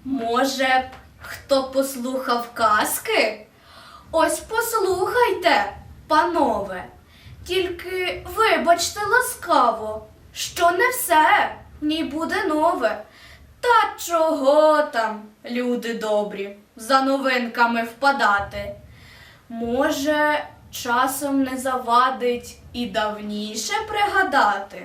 Може б, хто послухав казки? Ось послухайте, панове. Тільки вибачте ласкаво, що не все в ній буде нове. Та чого там, люди добрі, за новинками впадати? Може, часом не завадить і давніше пригадати?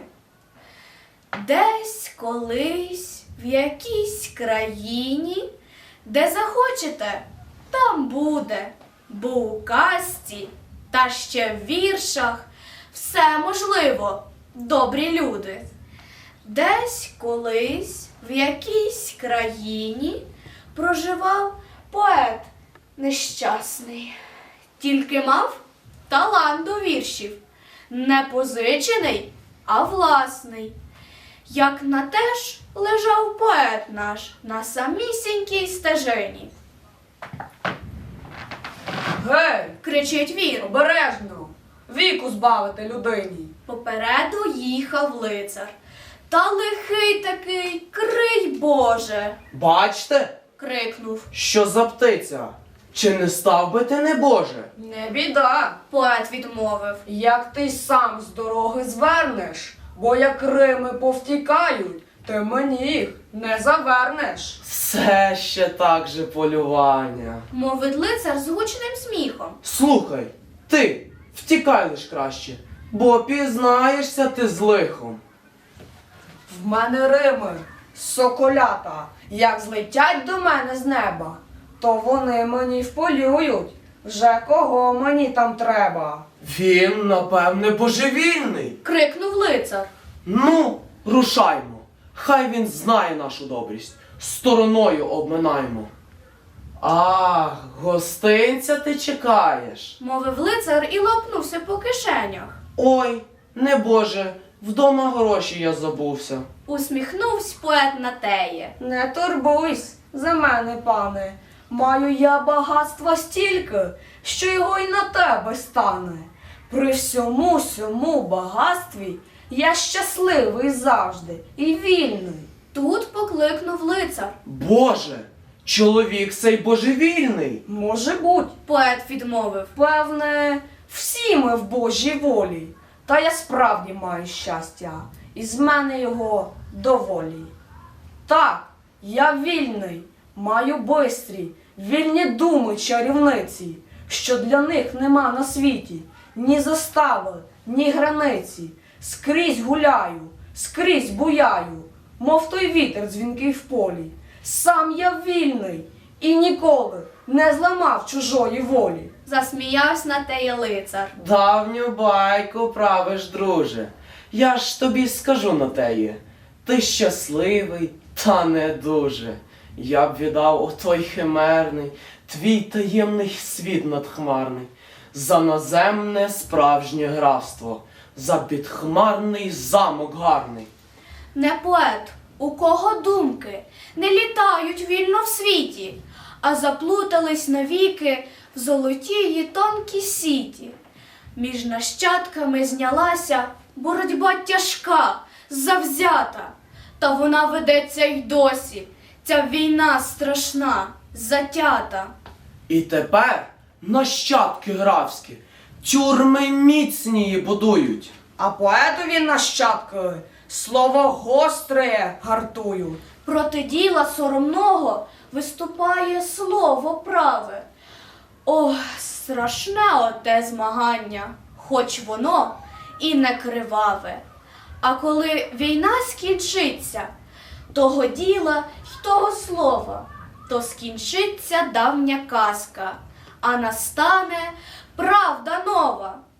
Десь колись в якійсь країні, де захочете, там буде, бо у казці та ще в віршах все можливо, добрі люди. Десь колись в якійсь країні проживав поет нещасний. Тільки мав талант до віршів, не позичений, а власний. Як на те ж лежав поет наш на самісінькій стежині. Гей, Кричить він. обережно, віку збавити людині. Попереду їхав лицар. Та лихий такий, крий Боже! Бачте, Крикнув. що за птиця? Чи не став би ти, небоже? Не біда, Поет відмовив. як ти сам з дороги звернеш, бо як Рими повтікають, ти мені їх не завернеш. Все ще так же полювання. Мовить лицар з гучним сміхом. Слухай, ти, втікай лиш краще, бо пізнаєшся ти з лихом. В мене Рими, соколята, як злетять до мене з неба, то вони мені вполюють, вже кого мені там треба. Він, напевне, божевільний. Крикнув лицар. Ну, рушаймо. Хай він знає нашу добрість. Стороною обминаймо. Ах, гостинця ти чекаєш. Мовив лицар і лопнувся по кишенях. Ой, небоже, вдома гроші я забувся. Усміхнувсь поет на теє. Не турбуйсь за мене, пане, маю я багатства стільки, що його й на тебе стане. При всьому сьому багатстві я щасливий завжди і вільний. Тут покликнув лицар. Боже, чоловік цей божевільний. Може буть, Поет відмовив. певне, всі ми в Божій волі, та я справді маю щастя, і з мене його доволі. Так, я вільний, маю бистрі, вільні думи чарівниці, що для них нема на світі ні застави, ні границі. Скрізь гуляю, скрізь буяю, мов той вітер дзвінкий в полі. Сам я вільний і ніколи не зламав чужої волі. Засміявсь на теє лицар. Давню байку правиш, друже. Я ж тобі скажу на теє. Ти щасливий, та не дуже. Я б віддав отой химерний, твій таємний світ надхмарний, за наземне справжнє графство, за підхмарний замок гарний. Не поет, у кого думки не літають вільно в світі, а заплутались навіки в золотії тонкі сіті. Між нащадками знялася боротьба тяжка, завзята, та вона ведеться й досі, ця війна страшна, затята. І тепер нащадки графські тюрми міцнії будують. А поетові нащадки слово гостре гартують. Проти діла соромного виступає слово праве. Ох, страшне оте змагання, хоч воно і не криваве. А коли війна скінчиться, того діла й того слова, то скінчиться давня казка, а настане правда нова.